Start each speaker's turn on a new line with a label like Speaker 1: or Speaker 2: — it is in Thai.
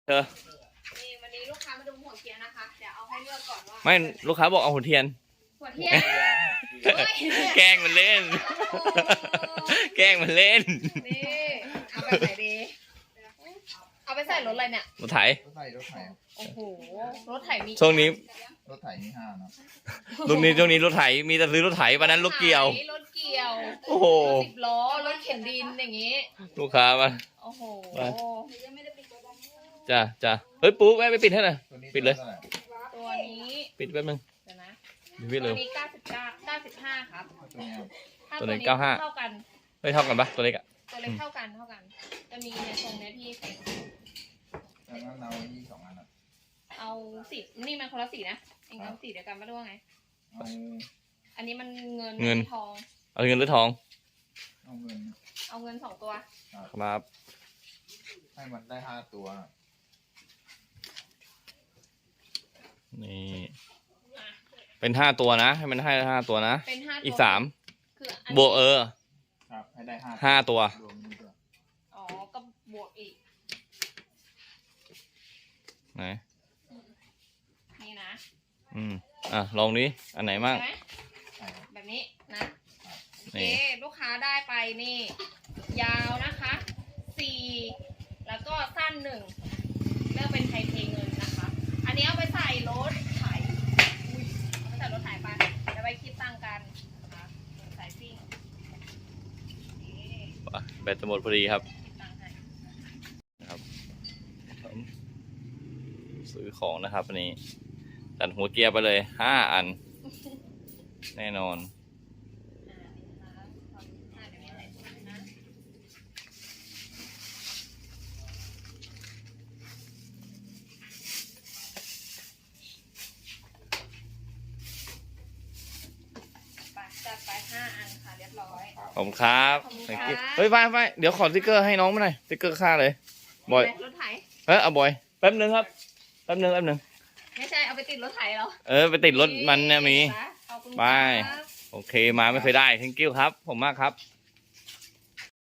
Speaker 1: เธอ
Speaker 2: นี่วันนี้ลูกค้ามาดูหัวเทียนนะคะเดี๋ยวเอาให้เลือกก่อนว่า
Speaker 1: ไม่ลูกค้าบอกเอาหัวเทียน
Speaker 2: หัวเทียน
Speaker 1: แกล้งมันเล่น แกล้งมันเล่น
Speaker 2: นี่เอาไปใส่ดีเอาไปใส่รถอะไรเนี่ย
Speaker 1: รถไถ
Speaker 3: รถไถ
Speaker 2: โอ้โหรถไถมี
Speaker 1: ช่วงนี้
Speaker 3: รถไถมี5นะ
Speaker 1: ช่วงนี้รถไถมีแต่ซื้อรถไถวันนั้นรถเกี่ยว
Speaker 2: รถเกี่ยว
Speaker 1: โอ้โห
Speaker 2: 10 ล้อรถเข็นดินอย่างงี้
Speaker 1: ลูกค้ามา
Speaker 2: โอ้โห
Speaker 1: จ้าเฮ้ยปุ๊บไปปิดให้หน่อยปิดเลย
Speaker 2: ตัวนี้
Speaker 1: ปิดแป๊บนึง
Speaker 2: เดี๋ยวนะ
Speaker 1: ปิดเลย
Speaker 2: ตัวนี้95ครับ
Speaker 1: ตัวนี้
Speaker 2: เท่ากัน
Speaker 1: เฮ้ยเท่ากันปะตัวเล็กอะ
Speaker 2: ตัวเล็กเท่ากันจะมีในทรงเนี้ยที่เป็น
Speaker 3: แล้วเราที่2 อัน
Speaker 2: เอาสีนี่มันคนละสีนะเองเอาสีเดียวกันไม่รู้ว่าไงอันนี้มันเงินทอง
Speaker 1: เอาเงินหรือทอง
Speaker 3: เอาเงิน
Speaker 2: 2 ตัว
Speaker 1: ครับ
Speaker 3: ให้มันได้5 ตัว
Speaker 1: นี่เป็น5 ตัวนะให้มันให้5 ตัวนะ
Speaker 2: เป็น5
Speaker 1: อีก3
Speaker 2: คื
Speaker 1: อบวก
Speaker 3: ครับให้ได้
Speaker 1: 5 ตัว
Speaker 2: อ๋อก็บวกอีก
Speaker 1: ไหน
Speaker 2: นี่นะ
Speaker 1: ลองนี้อันไหนมาก
Speaker 2: แบบนี้นะโอเคลูกค้าได้ไปนี่ยาวนะคะ4แล้วก็สั้น1เลือกเป็นไทยเพเงินนะคะอันนี้เอาไปใส่รถไถเอาไปใส่รถไถไปเดี๋ยวไปคิดตังกันนะคะใส่ซิ่ง
Speaker 1: แบตจะหมดพอดีครับนะครับซื้อของนะครับอันนี้ตัดหัวเกียร์ไปเลย5 อันแน่นอน
Speaker 2: จัดไป5 อันค่ะเรียบร้อย
Speaker 1: ขอบคุณครับเฮ้ยไปเดี๋ยวขอสติ๊กเกอร์ให้น้องมาหน่อยสติ๊กเกอร์ค่าเลยบอย
Speaker 2: รถไถ
Speaker 1: เอาบอยแป๊บนึงครับแป๊บนึง
Speaker 2: ไม่ใช่เอาไปติดรถไถเหรอ
Speaker 1: ไปติดรถมันเนี่ยมี
Speaker 2: ขอบคุณ
Speaker 1: ไปโอเคมาไม่เคยได้ thank you ครับผมมากครับ